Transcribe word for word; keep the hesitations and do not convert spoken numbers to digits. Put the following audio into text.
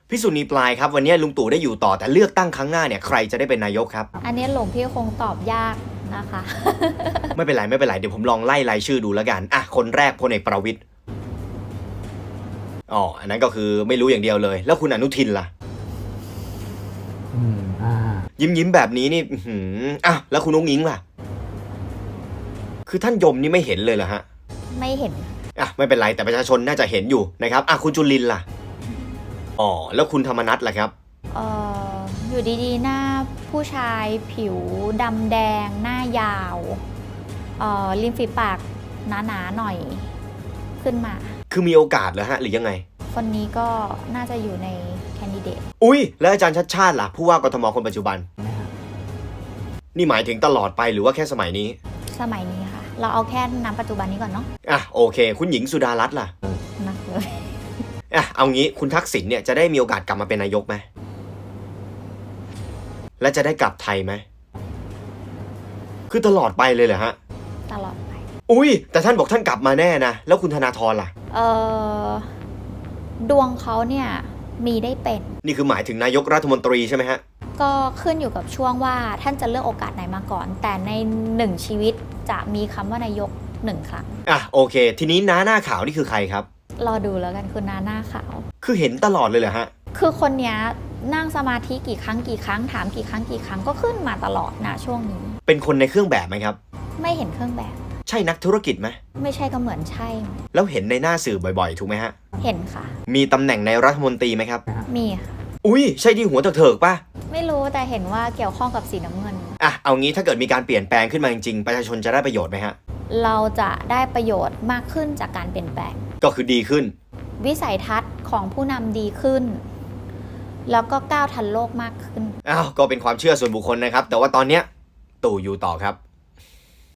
พี่สุนีปลายครับวันนี้ลุงตู่ได้อยู่ต่อแต่เลือกตั้งครั้งหน้าเนี่ยใครจะได้เป็นนายกครับอันนี้หลวงพี่คงตอบยากนะคะไม่เป็นไรไม่เป็นไรเดี๋ยวผมลองไล่รายชื่อดูแล้วกันอ่ะคนแรกพลเอกประวิตรอ๋ออันนั้นก็คือไม่รู้อย่างเดียวเลยแล้วคุณอนุทินล่ะอืมอ่ายิ้มยิ้มแบบนี้นี่อืมอ่ะแล้วคุณนุ้งอิงล่ะคือท่านยมนี่ไม่เห็นเลยเหรอฮะไม่เห็นอ่ะไม่เป็นไรแต่ประชาชนน่าจะเห็นอยู่นะครับอ่ะคุณจุลินล่ะอ๋อแล้วคุณธรรมนัสล่ะครับเอ่ออยู่ดีๆหน้าผู้ชายผิวดำแดงหน้ายาวเอ่อริมฝีปากหนาๆหน่อยขึ้นมาคือมีโอกาสเหรอฮะหรือยังไงคนนี้ก็น่าจะอยู่ในแคนดิเดตอุ้ยแล้วอาจารย์ชัดชาติล่ะผู้ว่ากทมคนปัจจุบันนี่หมายถึงตลอดไปหรือว่าแค่สมัยนี้สมัยนี้ค่ะเราเอาแค่น้ำปัจจุบันนี้ก่อนเนาะอ่ะโอเคคุณหญิงสุดารัตน์ล่ะนักเลยอ่ะเอางี้คุณทักษิณเนี่ยจะได้มีโอกาสกลับมาเป็นนายกไหมและจะได้กลับไทยไหมคือตลอดไปเลยเหรอฮะตลอดไปอุ้ยแต่ท่านบอกท่านกลับมาแน่นะแล้วคุณธนาธรล่ะเออดวงเขาเนี่ยมีได้เป็นนี่คือหมายถึงนายกรัฐมนตรีใช่ไหมฮะก็ขึ้นอยู่กับช่วงว่าท่านจะเลือกโอกาสไหนมาก่อนแต่ในหนึ่งชีวิตจะมีคำว่านายกหนึ่งครั้งอ่ะโอเคทีนี้น้าหน้าขาวนี่คือใครครับรอดูแล้วกันคือน้าหน้าขาวคือเห็นตลอดเลยเหรอฮะคือคนเนี้ยนั่งสมาธิกี่ครั้งกี่ครั้งถามกี่ครั้งกี่ครั้งก็ขึ้นมาตลอดนะช่วงนี้เป็นคนในเครื่องแบบไหมครับไม่เห็นเครื่องแบบใช่นักธุรกิจไหมไม่ใช่ก็เหมือนใช่แล้วเห็นในหน้าสื่อบ่อยๆถูกไหมฮะเห็นค่ะมีตำแหน่งในรัฐมนตรีไหมครับมีค่ะอุ้ยใช่ที่หัวเถิกๆป่ะไม่รู้แต่เห็นว่าเกี่ยวข้องกับสีน้ำเงินอ่ะเอางี้ถ้าเกิดมีการเปลี่ยนแปลงขึ้นมาจริงๆประชาชนจะได้ประโยชน์ไหมฮะเราจะได้ประโยชน์มากขึ้นจากการเปลี่ยนแปลงก็คือดีขึ้นวิสัยทัศน์ของผู้นำดีขึ้นแล้วก็ก้าวทันโลกมากขึ้นอ้าวก็เป็นความเชื่อส่วนบุคคลนะครับแต่ว่าตอนเนี้ยตู่อยู่ต่อครับ